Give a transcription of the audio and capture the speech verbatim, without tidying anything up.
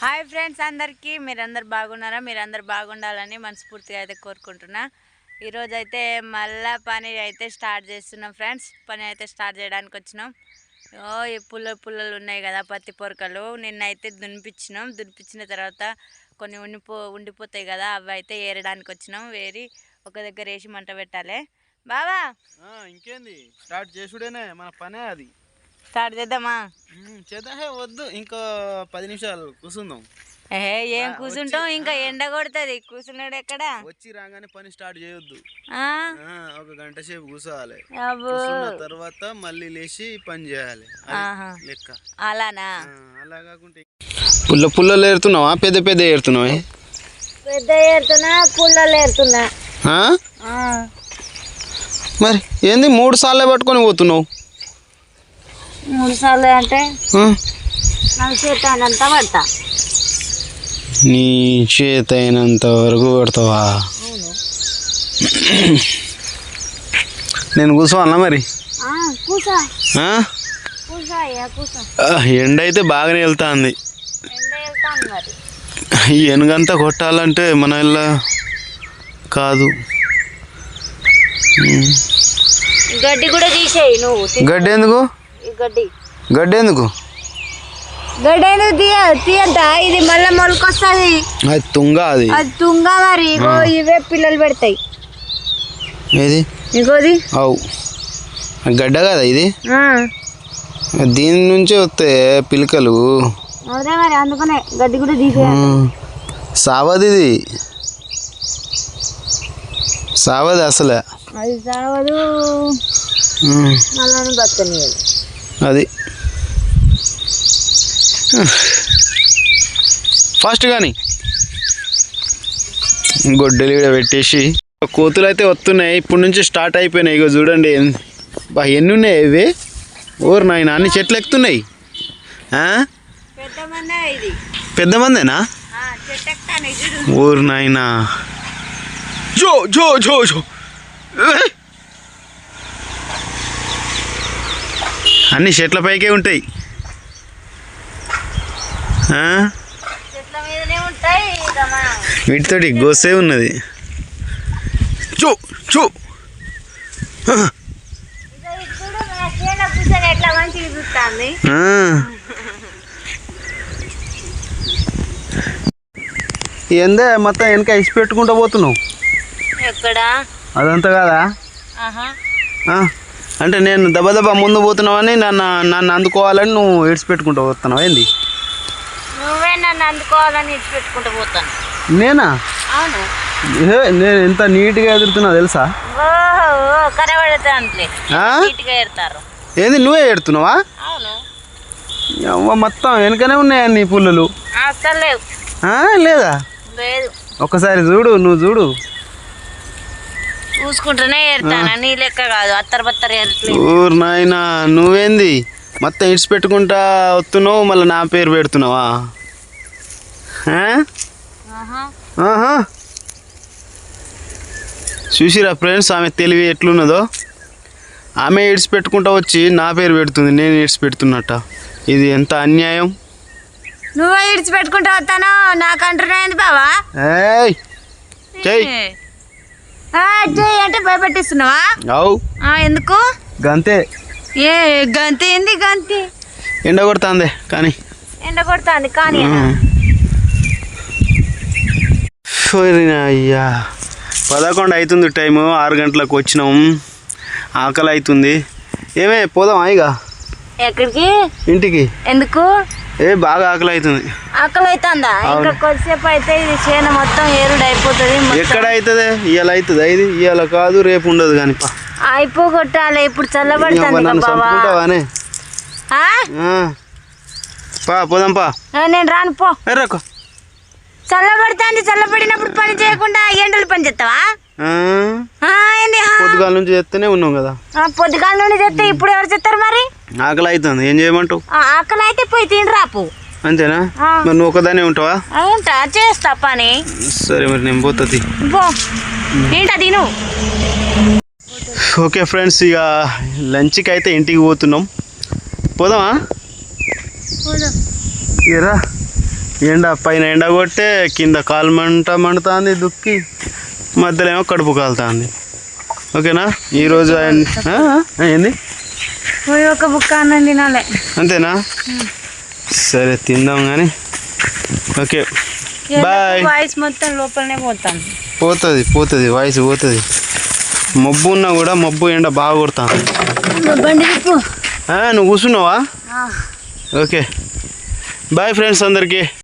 Hi friends, అందరికీ మీరందరు బాగున్నారా? మీరందరు బాగుండాలని మనస్ఫూర్తిగా అయితే కోరుకుంటున్నా. ఈరోజు అయితే మళ్ళీ పని అయితే స్టార్ట్ చేస్తున్నాం ఫ్రెండ్స్. పని అయితే స్టార్ట్ చేయడానికి వచ్చినాం. ఓ ఈ పుల్లలు పుల్లలు ఉన్నాయి కదా, పత్తి పొరకలు. నిన్నైతే దునిపించినాం. దునిపించిన తర్వాత కొన్ని ఉండిపో ఉండిపోతాయి కదా, అవి అయితే ఏరడానికి వచ్చినాం. వేరి ఒక దగ్గర వేసి మంట పెట్టాలి. బావా ఇంకేంది, స్టార్ట్ చేసుడేనే మన పనే. అది స్టార్ట్ చేద్దామా? చేద్దాం. వద్దు, ఇంకో పది నిమిషాలు కూర్చుందాం. ఏ ఏం కూర్చుంటాం, ఇంకా ఎండ కొడుతుంది. కూర్చున్నాడు ఎక్కడ? వచ్చి రాగానే పని స్టార్ట్ చేయొద్దు. ఒక గంట సేపు కూర్చోవాలి. తర్వాత మళ్ళీ లేచి పని చేయాలి లెక్క. అలానా? అలా కాకుంటే పుల్ల పుల్లలు ఏరుతున్నావా, పెద్ద పెద్ద ఏరుతున్నావా? పెద్ద ఏరుతున్నా, పుల్లలు ఏరుతున్నా. మరి ఏంది మూడు సార్లు పట్టుకొని పోతున్నావు? మూడు సార్లు అంటే నాకు చేత అయినంత పడతా. నీ చేత అయినంత వరకు పడతావా? నేను కూర్చోవాలా మరి? కూసా కూసా కూసా. ఎండ అయితే బాగానే వెళ్తాంది. ఎండ వెళ్తాను మరి. ఈ ఎనుగంతా కొట్టాలంటే మన ఇళ్ళ కాదు. గడ్డి కూడా తీసేయి నువ్వు. గడ్డి ఎందుకు? గడ్డి గడ్డి ఎందుకు? గడ్డి ఎందుకు తీయ తీయంట. ఇది మళ్ళీ మొలకొస్తుంది. అది తుంగ. అది అది తుంగ మరి. ఇగో ఇవే పిల్లలు పెడతాయి. ఏది? ఇగోది. అవు గడ్డ కదా ఇది. దీని నుంచే వస్తాయి పిలకలు. అదే మరి, అందుకనే గడ్డి కూడా తీసేయాలి. సావది ఇది, సావది అసలే. అది సావదు, మళ్ళీ బతకనియదు. అది ఫాస్ట్ కానీ గొడ్డలి కూడా పెట్టేసి కోతులు అయితే వస్తున్నాయి. ఇప్పటి నుంచి స్టార్ట్ అయిపోయినాయి. ఇగో చూడండి బా ఎన్ని ఉన్నాయి ఇవి. ఓరు నాయన, అన్ని చెట్లు ఎక్కుతున్నాయి. పెద్ద మందేనా? ఓరు నాయన, జో జో జో జో. అన్ని చెట్ల పైకే ఉంటాయి. వీటితోటి గోసే ఉన్నది. చూ చూ. ఏందే మొత్తం వెనక ఇసి పెట్టుకుంటూ పోతున్నావు? ఎక్కడ? అదంతా కాదా? అంటే నేను దెబ్బ దెబ్బ ముందు పోతున్నావని నన్ను నన్ను అందుకోవాలని నువ్వు ఇడిచిపెట్టుకుంటూ పోతున్నావు ఏంది? నువ్వే నన్ను అందుకోవాలని ఇడిచిపెట్టుకుంటూ పోతాను. నేనా? అవును. నేను ఎంత నీట్గా ఎదురుతున్నా తెలుసా? ఏంది నువ్వే ఎడుతున్నావా? మొత్తం వెనకనే ఉన్నాయా నీ పుల్లలు? లేదా? ఒక్కసారి చూడు, నువ్వు చూడు. చూసుకుంటూనే ఏరుతానా, నీ లెక్క కాదు. అత్తర బత్తర ఊరు నాయన, నువ్వేంది మొత్తం ఇడిచి పెట్టుకుంటా వస్తున్నావు, మళ్ళీ నా పేరు పెడుతున్నావా? చూసిరా ఫ్రెండ్స్, ఆమె తెలివి ఎట్లున్నదో. ఆమె ఇడిచి పెట్టుకుంటా వచ్చి నా పేరు పెడుతుంది, నేను ఇడిచి పెడుతున్నట్ట. ఇది ఎంత అన్యాయం. నువ్వే ఇడిచి పెట్టుకుంటా వస్తాను, నాకు అంటున్నాయింది బావా. ఏయ్ చెయ్యి అంటే భయపెట్టిస్తున్నావా? అవు. ఎందుకు? గంతే. ఏ గంతే? ఏంది గంతే? ఎండ కొడుతుంది కానీ. ఎండ కొడుతుంది కానీ. అయ్యా, పదకొండు అవుతుంది టైము. ఆరు గంటలకు వచ్చినాం. ఆకలి అవుతుంది. ఏమే పోదాం ఇక? ఎక్కడికి? ఇంటికి. ఎందుకు? ఏ బాగా ఆకలి అవుతుంది. ఆకలి అవుతుందా? ఇంకా కొద్దిసేపు అయితే ఇది చేను మొత్తం ఏరుడు అయిపోతుంది. ఎక్కడ అవుతుంది? ఇవాళ అవుతుందా? ఇది ఇవాళ కాదు, రేపు ఉండదు కానీ. అయిపోగొట్టాలి. ఇప్పుడు చల్లబడుతుంది. పా పోదాం పా. నేను రాను పో. ఎర్రకు చల్లబడుతుంది. చల్లబడినప్పుడు పని చేయకుండా ఎండలు పని చేస్తావా? పొద్దుగాల నుంచి చేస్తూనే ఉన్నాం కదా. పొద్దుగాల నుండి చేస్తే ఇప్పుడు ఎవరు చేస్తారు మరి? ఆకలి అవుతుంది, ఏం చేయమంటావు? ఆకలి అయితే పోయి తిని రాపు. అంతేనా? మరి నువ్వు ఒకదానే ఉంటావా? ఉంటా, చేస్తా పని. సరే మరి నేను పోతుంది. ఏంటా తిను. ఓకే ఫ్రెండ్స్, ఇక లంచ్కి అయితే ఇంటికి పోతున్నాం. పోదామా? ఏరా ఎండ పైన ఎండ కొట్టే కింద కాలు మంట మండుతుంది దుక్కి, మధ్యలో ఏమో కడుపు కాలుతుంది. ఓకేనా ఈరోజు ఆయన- ఆ? ఆ, ఏంది పోయి ఒక బుక్క అన్నం తినాలి. అంతేనా? సరే తిందాం కానీ. Okay bye. వాయిస్ మొత్తం లోపలనే పోతాను. పోతుంది పోతుంది వాయిస్ పోతుంది. మబ్బు ఉన్నా కూడా మబ్బు ఎండ బాగా కొడుతుంది. బండి తిప్పు. నువ్వు కూర్చున్నావా? ఓకే బాయ్ ఫ్రెండ్స్ అందరికీ.